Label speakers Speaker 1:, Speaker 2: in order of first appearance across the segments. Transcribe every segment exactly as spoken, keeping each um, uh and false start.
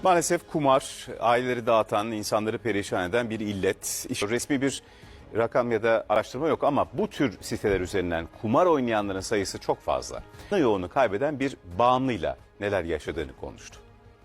Speaker 1: Maalesef kumar aileleri dağıtan, insanları perişan eden bir illet. İşte resmi bir rakam ya da araştırma yok ama bu tür siteler üzerinden kumar oynayanların sayısı çok fazla. Yoğunu kaybeden bir bağımlıyla neler yaşadığını konuştu.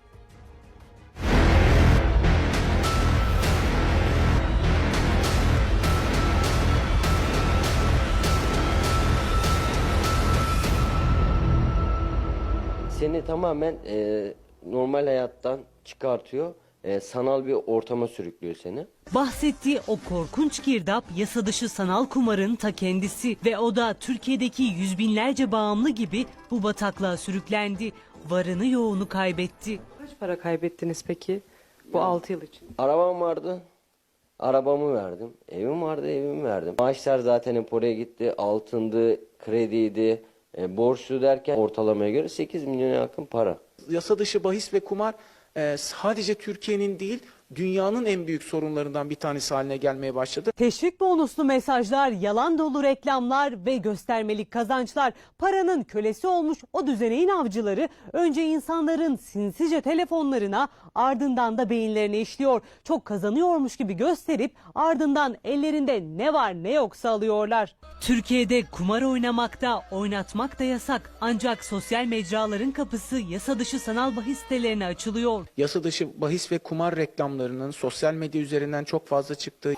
Speaker 2: Seni tamamen e, normal hayattan çıkartıyor, e, sanal bir ortama sürüklüyor seni.
Speaker 3: Bahsettiği o korkunç girdap yasa dışı sanal kumarın ta kendisi ve o da Türkiye'deki yüz binlerce bağımlı gibi bu bataklığa sürüklendi. Varını yoğunu kaybetti.
Speaker 4: Kaç para kaybettiniz peki bu altı yıl için?
Speaker 2: Arabam vardı, arabamı verdim. Evim vardı, evimi verdim. Maaşlar zaten hep oraya gitti. Altındı, krediydi, e, borçlu derken ortalamaya göre sekiz milyona yakın para.
Speaker 5: Yasa dışı bahis ve kumar e, sadece Türkiye'nin değil, dünyanın en büyük sorunlarından bir tanesi haline gelmeye başladı.
Speaker 3: Teşvik bonuslu mesajlar, yalan dolu reklamlar ve göstermelik kazançlar paranın kölesi olmuş o düzeneğin avcıları önce insanların sinsice telefonlarına ardından da beyinlerine işliyor. Çok kazanıyormuş gibi gösterip ardından ellerinde ne var ne yoksa alıyorlar. Türkiye'de kumar oynamakta, oynatmak da yasak ancak sosyal mecraların kapısı yasa dışı sanal bahis sitelerine açılıyor.
Speaker 5: Yasa dışı bahis ve kumar reklamlarının sosyal medya üzerinden çok fazla çıktığı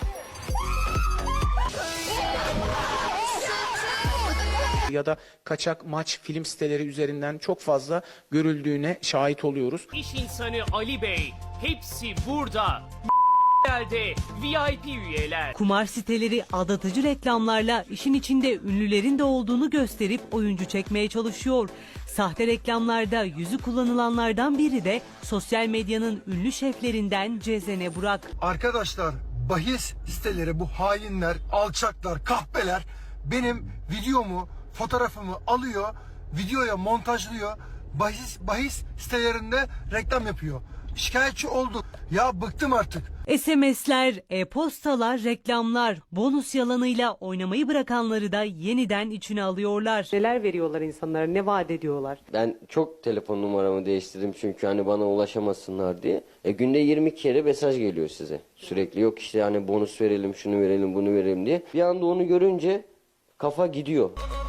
Speaker 5: ya da kaçak maç film siteleri üzerinden çok fazla görüldüğüne şahit oluyoruz.
Speaker 6: İş insanı Ali Bey, hepsi burada. Yerde V I P üyeler.
Speaker 3: Kumar siteleri aldatıcı reklamlarla işin içinde ünlülerin de olduğunu gösterip oyuncu çekmeye çalışıyor. Sahte reklamlarda yüzü kullanılanlardan biri de sosyal medyanın ünlü şeflerinden Cezene Burak.
Speaker 7: Arkadaşlar, bahis siteleri, bu hainler, alçaklar, kahpeler benim videomu, fotoğrafımı alıyor, videoya montajlıyor, bahis bahis sitelerinde reklam yapıyor. Şikayetçi olduk. Ya bıktım artık.
Speaker 3: S M S'ler, e-postalar, reklamlar, bonus yalanıyla oynamayı bırakanları da yeniden içine alıyorlar.
Speaker 4: Neler veriyorlar insanlara, ne vaat ediyorlar?
Speaker 2: Ben çok telefon numaramı değiştirdim çünkü hani bana ulaşamasınlar diye. E, günde yirmi kere mesaj geliyor size. Sürekli yok işte hani bonus verelim, şunu verelim, bunu verelim diye. Bir anda onu görünce kafa gidiyor.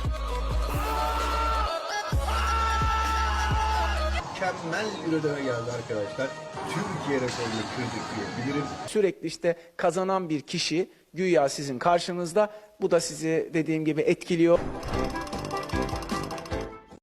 Speaker 7: Mükemmel bir ödeme geldi arkadaşlar. Türkiye rekorunu kırdık diyebilirim.
Speaker 5: Sürekli işte kazanan bir kişi güya sizin karşınızda. Bu da sizi dediğim gibi etkiliyor.